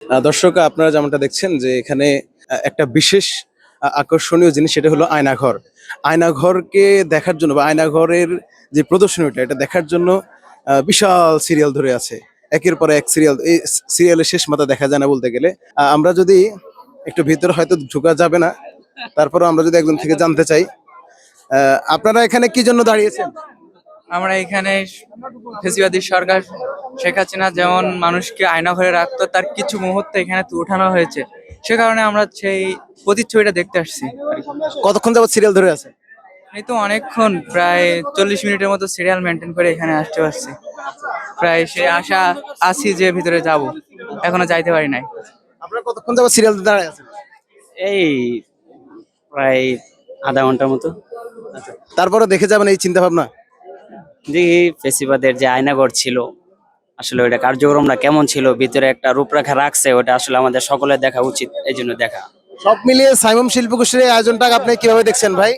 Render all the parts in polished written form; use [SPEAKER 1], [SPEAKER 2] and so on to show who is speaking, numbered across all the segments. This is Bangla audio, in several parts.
[SPEAKER 1] দর্শক, আপনারা যেমনটা দেখছেন যে এখানে একটা বিশেষ আকর্ষণীয় জিনিস, সেটা হলো আয়নাঘর। আয়নাঘরকে দেখার জন্য বা আয়নাঘরের যে প্রদর্শনীটা, এটা দেখার জন্য বিশাল সিরিয়াল ধরে আছে। একের পর এক সিরিয়াল, এই সিরিয়ালের শেষ মাথা দেখা যায় না বলতে গেলে। আমরা যদি একটু ভিতরে, হয়তো ঢোকা যাবে না, তারপরেও আমরা যদি একজন থেকে জানতে চাই, আপনারা এখানে কি জন্য দাঁড়িয়েছেন?
[SPEAKER 2] আমরা এখানে ফেসিবাদী সরকার শেখ হাসিনা যেমন মানুষকে আয়না ঘরে রাখতো, তার কিছু মুহূর্ত এখানে উঠানো হয়েছে। সে কারণে আমরা সেই প্রতিচ্ছবিটা দেখতে আসছি।
[SPEAKER 1] কতক্ষণ যাবত সিরিয়াল ধরে আছে?
[SPEAKER 2] এই তো অনেকক্ষণ, প্রায় 40 মিনিটের মতো সিরিয়াল মেনটেন করে এখানে আসতে পারছি। প্রায় সে আশা আছি যে ভিতরে যাব, এখনো যাইতে পারি নাই।
[SPEAKER 1] আপনারা কতক্ষণ যাবত সিরিয়াল দাঁড়ায় আছেন?
[SPEAKER 3] এই প্রায় আধা ঘন্টার মতো।
[SPEAKER 1] তারপরে দেখে যাবেন এই চিন্তা ভাবনা?
[SPEAKER 3] দেখি ফেসিবাদের যে আয়নাঘর ছিল, আসলে ওইটা কার্যক্রমটা কেমন ছিল, ভিতরে একটা রূপরেখা রাখছে, ওটা আসলে আমাদের সকলের দেখা উচিত, এই জন্য দেখা।
[SPEAKER 1] সব মিলিয়ে সাইমন শিল্পগোষ্ঠীর এই আয়োজনটা আপনি কিভাবে দেখছেন ভাই?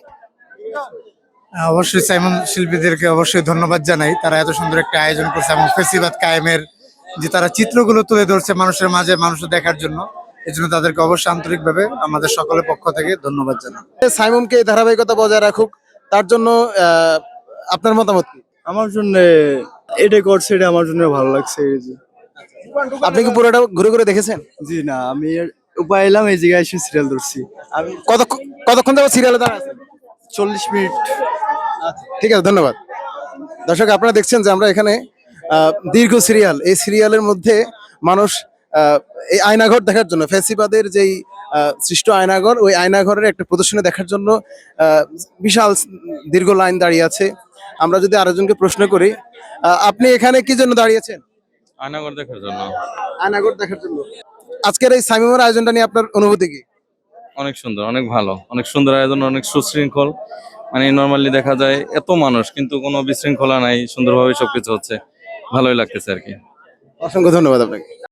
[SPEAKER 4] অবশ্যই সাইমন শিল্পীদেরকে অবশ্যই ধন্যবাদ জানাই, তারা এত সুন্দর একটা আয়োজন করছে এবং ফেসিবাদ কায়েমের যে তারা চিত্রগুলো তুলে ধরছে মানুষের মাঝে, মানুষের দেখার জন্য। এই জন্য তাদেরকে অবশ্যই আন্তরিকভাবে আমাদের সকলের পক্ষ থেকে ধন্যবাদ জানাই।
[SPEAKER 1] সাইমনকে এই ধারাবাহিকতা বজায় রাখুক, তার জন্য আপনার মতামত কি?
[SPEAKER 5] আমার জন্য এটাই করছে, এটা আমার জন্য ভালো লাগছে এই যে।
[SPEAKER 1] আপনি কি পুরোটা ঘুরে ঘুরে দেখেছেন?
[SPEAKER 5] জি না, আমি উপায় এলাম এই জায়গায় এসে সিরিয়াল ধরছি।
[SPEAKER 1] আমি কতক্ষণ যাবত সিরিয়ালে দাঁড়া আছেন?
[SPEAKER 5] 40 মিনিট।
[SPEAKER 1] ঠিক আছে, ধন্যবাদ। দর্শক, আপনারা দেখছেন যে আমরা এখানে দীর্ঘ সিরিয়াল, এই সিরিয়ালের মধ্যে মানুষ এই আয়নাঘর দেখার জন্য, ফ্যাসিবাদের যেই সৃষ্ট আয়নাঘর, ওই আয়নাঘরের একটা প্রদর্শনী দেখার জন্য বিশাল দীর্ঘ লাইন দাঁড়িয়ে আছে। আমরা যদি আরেকজনকে প্রশ্ন করি, আপনি এখানে কি জন্য দাঁড়িয়েছেন?
[SPEAKER 6] আয়নাঘর দেখার জন্য।
[SPEAKER 1] আয়নাঘর দেখার জন্য। আজকের এই সাইমুমের আয়োজনটা নিয়ে আপনার অনুভূতি কি?
[SPEAKER 6] অনেক সুন্দর, অনেক ভালো, অনেক সুন্দর আয়োজন, অনেক সুশৃঙ্খল। মানে নর্মালি দেখা যায় এত মানুষ, কিন্তু কোনো বিশৃঙ্খলা নাই, সুন্দরভাবে সবকিছু হচ্ছে, ভালোই লাগতেছে আর কি।
[SPEAKER 1] অসংখ্য ধন্যবাদ আপনাকে।